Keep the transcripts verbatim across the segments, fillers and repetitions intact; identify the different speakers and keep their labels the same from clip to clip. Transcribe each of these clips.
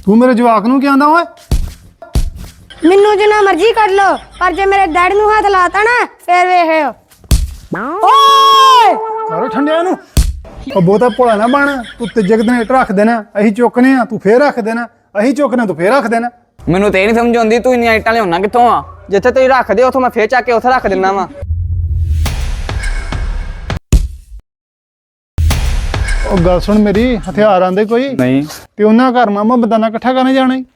Speaker 1: तू मेरे जवाक नूं क्या आंदा ओए?
Speaker 2: मैनू जिन्ना मर्जी कर लो पर जे मेरे डैडी नूं हाथ लाता ना फिर वेखियो। ओए
Speaker 1: करो ठंडिया नूं ओ बहुता भोला ना बन। तू तीजे दिन इट रख देना, असीं चुकने आ तू फिर रख देना, असीं चुकने तू फिर रख देना।
Speaker 3: ਮੈਨੂੰ ਤੇ ਇਹ ਨਹੀਂ ਸਮਝ ਆਉਂਦੀ ਤੂੰ ਇੰਨੀਆਂ ਇੱਟਾਂ ਲਿਆਉਣਾ ਕਿੱਥੋਂ ਆ? ਜਿੱਥੇ ਤੁਸੀਂ ਰੱਖਦੇ ਉੱਥੋਂ ਮੈਂ ਫੇਰ ਚੱਕ ਕੇ ਉੱਥੇ ਰੱਖ ਦਿੰਦਾ ਵਾ।
Speaker 1: ਉਹ ਗੱਲ ਸੁਣ ਮੇਰੀ, ਹਥਿਆਰ ਆਂਦੇ ਕੋਈ
Speaker 3: ਨਹੀਂ
Speaker 1: ਤੇ ਉਹਨਾਂ ਘਰ ਮਾਮਾ ਬਦਾਨਾ ਇਕੱਠਾ ਕਰਨੇ ਜਾਣਾ ਈ।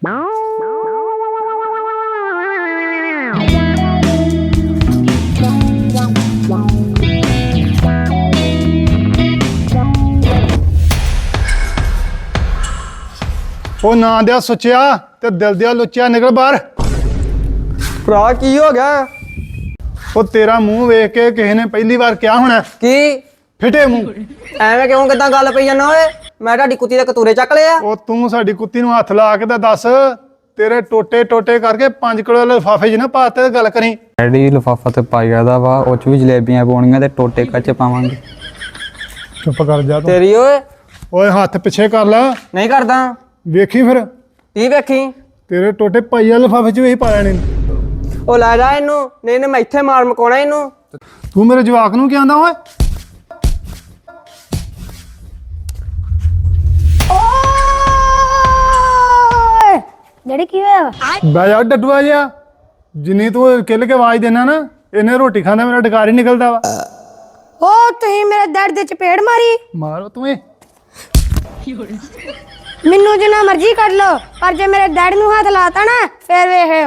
Speaker 1: ਉਹ ਨਾ ਦਿਆ ਸੁੱਚਿਆ ਤੇ ਦਿਲ ਦਿਆ ਲੁੱਚਿਆ, ਨਿਕਲ ਬਾਹਰ।
Speaker 3: ਭਰਾ ਕੀ ਹੋ ਗਿਆ?
Speaker 1: ਉਹ ਤੇਰਾ ਮੂੰਹ ਵੇਖ ਕੇ ਕਿਸੇ ਨੇ ਪਹਿਲੀ ਵਾਰ ਕਿਹਾ ਹੋਣਾ
Speaker 3: ਕੀ
Speaker 1: ਫਿੱਟੇ ਮੂੰਹ।
Speaker 3: ਐਵੇਂ ਕਿਉਂ ਕਿੱਦਾਂ ਗੱਲ ਪਈ ਜਾਂਦਾ ਓਏ? ਮੈਂ ਤੁਹਾਡੀ ਕੁੱਤੀ ਦੇ ਕਤੂਰੇ ਚੱਕ ਲਿਆ।
Speaker 1: ਉਹ ਤੂੰ ਸਾਡੀ ਕੁੱਤੀ ਨੂੰ ਹੱਥ ਲਾ ਕੇ ਤਾਂ ਦੱਸ, ਤੇਰੇ ਟੋਟੇ ਟੋਟੇ ਕਰਕੇ ਪੰਜ ਕਿਲੋ ਲਿਫਾਫੇ 'ਚ ਨਾ ਪਾਤੇ ਗੱਲ ਕਰੀ।
Speaker 4: ਡੈਡੀ ਲਿਫਾਫਾ ਤੇ ਪਾਇਆ ਦਾ ਵਾ, ਉਹ ਚ ਵੀ ਜਲੇਬੀਆਂ ਪਾਉਣੀਆਂ ਤੇ ਟੋਟੇ ਕੱਚ ਪਾਵਾਂਗੇ।
Speaker 1: ਚੁੱਪ ਕਰ ਜਾ ਤੂੰ।
Speaker 3: ਤੇਰੀ ਓਏ
Speaker 1: ਓਏ ਹੱਥ ਪਿੱਛੇ ਕਰ ਲੈ,
Speaker 3: ਨਹੀਂ ਕਰਦਾ।
Speaker 1: ਵੇਖੀ ਫਿਰ
Speaker 3: ਕੀ ਵੇਖੀ?
Speaker 1: ਤੇਰੇ ਟੋਟੇ ਪਾਈਆ ਲਿਫਾਫੇ 'ਚ ਵੀ ਪਾ ਲੈਣੇ।
Speaker 3: ਉਹ ਲੈ ਜਾ ਇਹਨੂੰ, ਨਹੀਂ ਨੇ ਮੈਂ ਇੱਥੇ ਮਾਰ ਮਕਾਉਣਾ ਇਹਨੂੰ।
Speaker 1: ਤੂੰ ਮੇਰੇ ਜਵਾਕ ਨੂੰ ਕੀ ਆਂਦਾ ਓਏ?
Speaker 2: ओए डैडी की होया?
Speaker 1: ਬੈ ਜਾ ਡੱਡੂਆ ਜਿਹਾ, ਜਿੰਨੀ ਤੂੰ ਕਿੱਲ ਕੇ ਆਵਾਜ਼ ਦੇਣਾ ਨਾ ਇਹਨੇ ਰੋਟੀ ਖਾਂਦਾ ਮੇਰਾ ਡਕਾਰ ਹੀ ਨਿਕਲਦਾ ਵਾ।
Speaker 2: ओ तुही मेरे डैडी दे चपेड़ मारी।
Speaker 1: ਮਾਰੋ ਤੂੰ ਇਹ।
Speaker 2: मैनू जिन्ना मर्जी कर लो पर जे मेरे डैडी नूं हाथ लाता ना फिर वेखियो।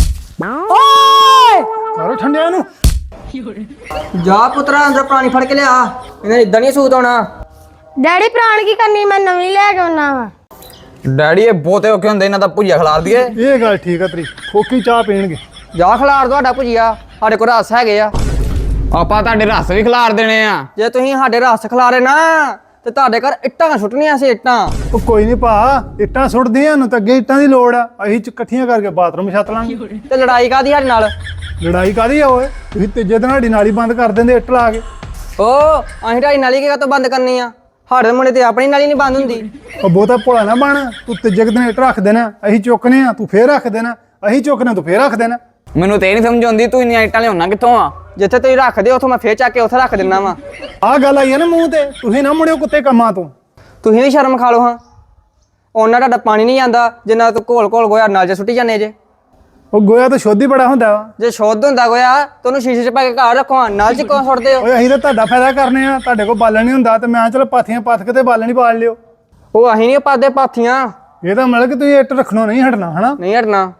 Speaker 2: ओए
Speaker 1: ਕਰੋ ਠੰਡਿਆ ਨੂੰ।
Speaker 3: ਜਾ ਪੁੱਤਰਾ ਅੰਦਰ ਪਾਣੀ ਫੜ ਕੇ ਲਿਆ, ਇਹਨਾਂ ਇਦਾਂ ਨਹੀਂ ਸੂਤ ਆਉਣਾ।
Speaker 2: डैडी प्राण की करनी मैं नवी लेके आना वा।
Speaker 3: ਡੈਡੀ ਇਹ ਬਹੁਤੇ ਔਖੇ ਹੁੰਦੇ, ਇਹਨਾਂ ਦਾ ਭੁਜੀਆ ਖਿਲਾਰ ਦਈਏ।
Speaker 1: ਇਹ ਗੱਲ ਠੀਕ ਆ ਤੇਰੀ, ਖੋਕੀ ਚਾਹ ਪੀਣਗੇ।
Speaker 3: ਜਾ ਖਿਲਾਰ ਤੁਹਾਡਾ ਭੁਜੀਆ, ਸਾਡੇ ਕੋਲ ਰਸ ਹੈਗੇ ਆ। ਆਪਾਂ ਤੁਹਾਡੇ ਰਸ ਵੀ ਖਿਲਾਰ ਦੇਣੇ ਆ। ਜੇ ਤੁਸੀਂ ਸਾਡੇ ਰਸ ਖਿਲਾਰੇ ਨਾ ਤੇ ਤੁਹਾਡੇ ਘਰ ਇੱਟਾਂ ਸੁੱਟਣੀਆਂ ਸੀ, ਇੱਟਾਂ।
Speaker 1: ਉਹ ਕੋਈ ਨਹੀਂ ਭਾ, ਇੱਟਾਂ ਸੁੱਟਦੀਆਂ ਨੂੰ ਤਾਂ ਅੱਗੇ ਇੱਟਾਂ ਦੀ ਲੋੜ ਆ, ਅਸੀਂ ਚ ਇਕੱਠੀਆਂ ਕਰਕੇ ਬਾਥਰੂਮ ਛੱਤ ਲਾਂਗੇ।
Speaker 3: ਤੇ ਲੜਾਈ ਕਾਦੀ ਸਾਡੇ ਨਾਲ?
Speaker 1: ਲੜਾਈ ਕਾਦੀ ਆ ਓਏ? ਤੁਸੀਂ ਤੀਜੇ ਦਿਨ ਸਾਡੀ ਨਾਲੀ ਬੰਦ ਕਰ ਦਿੰਦੇ ਇੱਟ ਲਾ ਕੇ।
Speaker 3: ਓ ਅਸੀਂ ਢਾਈ ਨਾਲੀ ਕਿਹ ਤੋਂ ਬੰਦ ਕਰਨੀ ਆ? ਸਾਡੇ ਮੁੰਡੇ ਤੇ ਆਪਣੀ ਨਾਲੀ ਨਹੀਂ ਬੰਦ ਹੁੰਦੀ।
Speaker 1: ਉਹ ਬਹੁਤਾ ਭੋਲਾ ਨਾ ਬਣ। ਤੂੰ ਤੀਜੇ ਦਿਨ ਇੱਟ ਰੱਖ ਦੇਣਾ, ਅਸੀਂ ਚੁੱਕਨੇ ਆ ਤੂੰ ਫੇਰ ਰੱਖ ਦੇਣਾ, ਅਸੀਂ ਚੁੱਕਨੇ ਤੂੰ ਫੇਰ ਰੱਖ ਦੇਣਾ।
Speaker 3: ਮੈਨੂੰ ਤੇ ਇਹ ਨਹੀਂ ਸਮਝ ਆਉਂਦੀ ਤੂੰ ਇੰਨੀਆਂ ਇੱਟਾਂ ਲਿਆਉਣਾ ਕਿੱਥੋਂ ਆ? ਜਿੱਥੇ ਤੁਸੀਂ ਰੱਖਦੇ ਉੱਥੋਂ ਮੈਂ ਫੇਰ ਚੱਕ ਕੇ ਉੱਥੇ ਰੱਖ ਦਿੰਦਾ ਵਾ।
Speaker 1: ਆਹ ਗੱਲ ਆਈ ਆ ਨਾ ਮੂੰਹ ਤੇ, ਤੁਸੀਂ ਨਾ ਮੁੜਿਓ ਕੁੱਤੇ ਕੰਮਾਂ ਤੋਂ।
Speaker 3: ਤੁਸੀਂ ਵੀ ਸ਼ਰਮ ਖਾ ਲਓ ਹਾਂ। ਉਹਨਾਂ ਤੁਹਾਡਾ ਪਾਣੀ ਨਹੀਂ ਜਾਂਦਾ ਜਿੰਨਾ ਤੂੰ ਘੋਲ ਘੋਲ ਗੋਇਆ ਨਾਲ ਚ ਸੁੱਟੀ ਜਾਂਦੇ ਜੇ।
Speaker 1: ਉਹ ਗੋਇਆ ਤਾਂ ਸ਼ੁੱਧ ਹੀ ਬੜਾ ਹੁੰਦਾ ਵਾ।
Speaker 3: ਜੇ ਸ਼ੁੱਧ ਹੁੰਦਾ ਗੋਇਆ ਤੁਹਾਨੂੰ ਸ਼ੀਸ਼ੇ 'ਚ ਪਾ ਕੇ ਘਰ ਰੱਖੋ, ਨਾਲ 'ਚ ਕਿਉਂ ਸੁੱਟਦੇ ਹੋ?
Speaker 1: ਓਏ ਅਸੀਂ ਤਾਂ ਤੁਹਾਡਾ ਫਾਇਦਾ ਕਰਨੇ ਆ, ਤੁਹਾਡੇ ਕੋਲ ਬਾਲਣ ਨਹੀਂ ਹੁੰਦਾ ਤੇ ਮੈਂ ਚਲ ਪਾਥੀਆਂ ਪੱਥ ਕੇ ਤੇ ਬਾਲਣ ਹੀ ਬਾਲ ਲਿਓ।
Speaker 3: ਉਹ ਅਸੀਂ ਨਹੀਂ ਪਾਦੇ ਪਾਥੀਆਂ।
Speaker 1: ਇਹ ਤਾਂ ਮਤਲਬ ਕਿ ਤੁਸੀਂ ਇੱਟ ਰੱਖਣੋਂ ਨਹੀਂ ਹਟਣਾ ਹਨਾ।
Speaker 3: ਨਹੀਂ ਹਟਣਾ।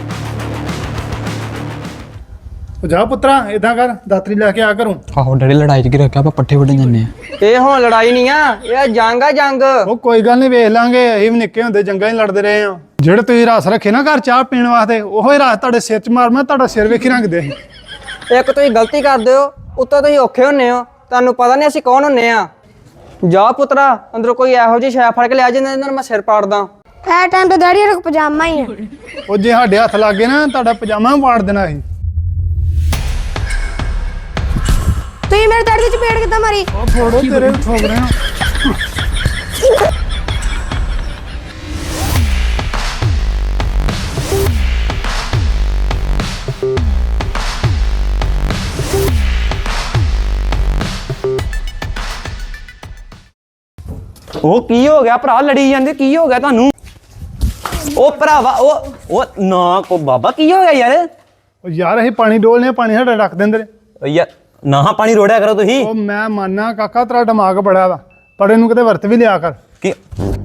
Speaker 1: ਉਹ ਜਾ ਪੁੱਤਰਾ ਏਦਾਂ ਕਰ, ਦਾਤਰੀ ਲੈ ਕੇ ਆ ਘਰੋਂ।
Speaker 4: ਆਹੋ ਡੈਡੀ ਲੜਾਈ ਚ ਕੀ ਰੱਖਿਆ, ਆਪਾਂ ਪੱਠੇ ਵੱਢਣ ਜਾਂਦੇ ਆ।
Speaker 3: ਇਹ ਹੁਣ ਲੜਾਈ ਨਹੀਂ ਆ, ਇਹ ਜੰਗ ਆ ਜੰਗ।
Speaker 1: ਉਹ ਕੋਈ ਗੱਲ ਨਹੀਂ, ਵੇਖ ਲਾਂਗੇ। ਅਸੀਂ ਵੀ ਨਿੱਕੇ ਹੁੰਦੇ ਜੰਗਾਂ 'ਚ ਲੜਦੇ ਰਹੇ ਆ। ਜਿਹੜੇ ਤੁਸੀਂ ਰਸ ਰੱਖੇ ਨਾ ਘਰ ਚਾਹ ਪੀਣ ਵਾਸਤੇ, ਉਹੋ ਹੀ ਰਸ ਤੁਹਾਡੇ ਸਿਰ 'ਚ ਮਾਰ ਮੈਂ ਤੁਹਾਡਾ ਸਿਰ ਵੇਖੀ ਰੰਗਦੇ ਅਸੀਂ।
Speaker 3: ਇੱਕ ਤੁਸੀਂ ਗਲਤੀ ਕਰਦੇ ਹੋ, ਉੱਤੋਂ ਤੁਸੀਂ ਔਖੇ ਹੁੰਨੇ ਹੋ, ਤੁਹਾਨੂੰ ਪਤਾ ਨਹੀਂ ਅਸੀਂ ਕੌਣ ਹੁੰਨੇ ਆ। ਜਾ ਪੁੱਤਰਾ ਅੰਦਰੋਂ ਕੋਈ ਇਹੋ ਜਿਹੀ ਸ਼ੈ ਫੜ ਕੇ ਲਿਆ ਜਿੰਨਾਂ ਨਾਲ ਮੈਂ ਸਿਰ ਪਾੜਦਾ।
Speaker 2: ए टाइम तो डैडी दा पजामा ही है।
Speaker 1: ਉਹ ਜੇ ਸਾਡੇ ਹੱਥ ਲੱਗ ਗਏ ਨਾ ਤੁਹਾਡਾ ਪਜਾਮਾ ਵੀ ਪਾੜ ਦੇਣਾ ਅਸੀਂ।
Speaker 2: तुही मेरे डैडी दे चपेड़ किद्दां मारी?
Speaker 1: ਉਹ ਫੋੜੋ ਤੇਰੇ ਵੀ ਠੋਕ ਰਹੇ ਆ।
Speaker 5: ਉਹ ਕੀ ਹੋ ਗਿਆ ਭਰਾ? ਲੜੀ ਜਾਂਦੇ, ਕੀ ਹੋ ਗਿਆ ਤੁਹਾਨੂੰ? ਉਹ ਭਰਾਵਾ ਉਹ ਉਹ ਨਾ ਕੋ ਬਾਬਾ, ਕੀ ਹੋ ਗਿਆ ਯਾਰ?
Speaker 1: ਉਹ ਯਾਰ ਅਸੀਂ ਪਾਣੀ ਡੋਲਨੇ ਆ, ਪਾਣੀ ਸਾਡਾ ਰੱਖ ਦਿੰਦੇ ਨੇ।
Speaker 5: ਉਹ ਯਾਰ ਨਾ ਪਾਣੀ ਰੋੜਿਆ ਕਰੋ ਤੁਸੀਂ।
Speaker 1: ਉਹ ਮੈਂ ਮੰਨਣਾ ਕਾਕਾ ਤੇਰਾ ਦਿਮਾਗ ਬੜਾ ਵਾ, ਪਰ ਇਹਨੂੰ ਕਿਤੇ ਵਰਤ ਵੀ ਲਿਆ ਕਰ।
Speaker 5: ਕੀ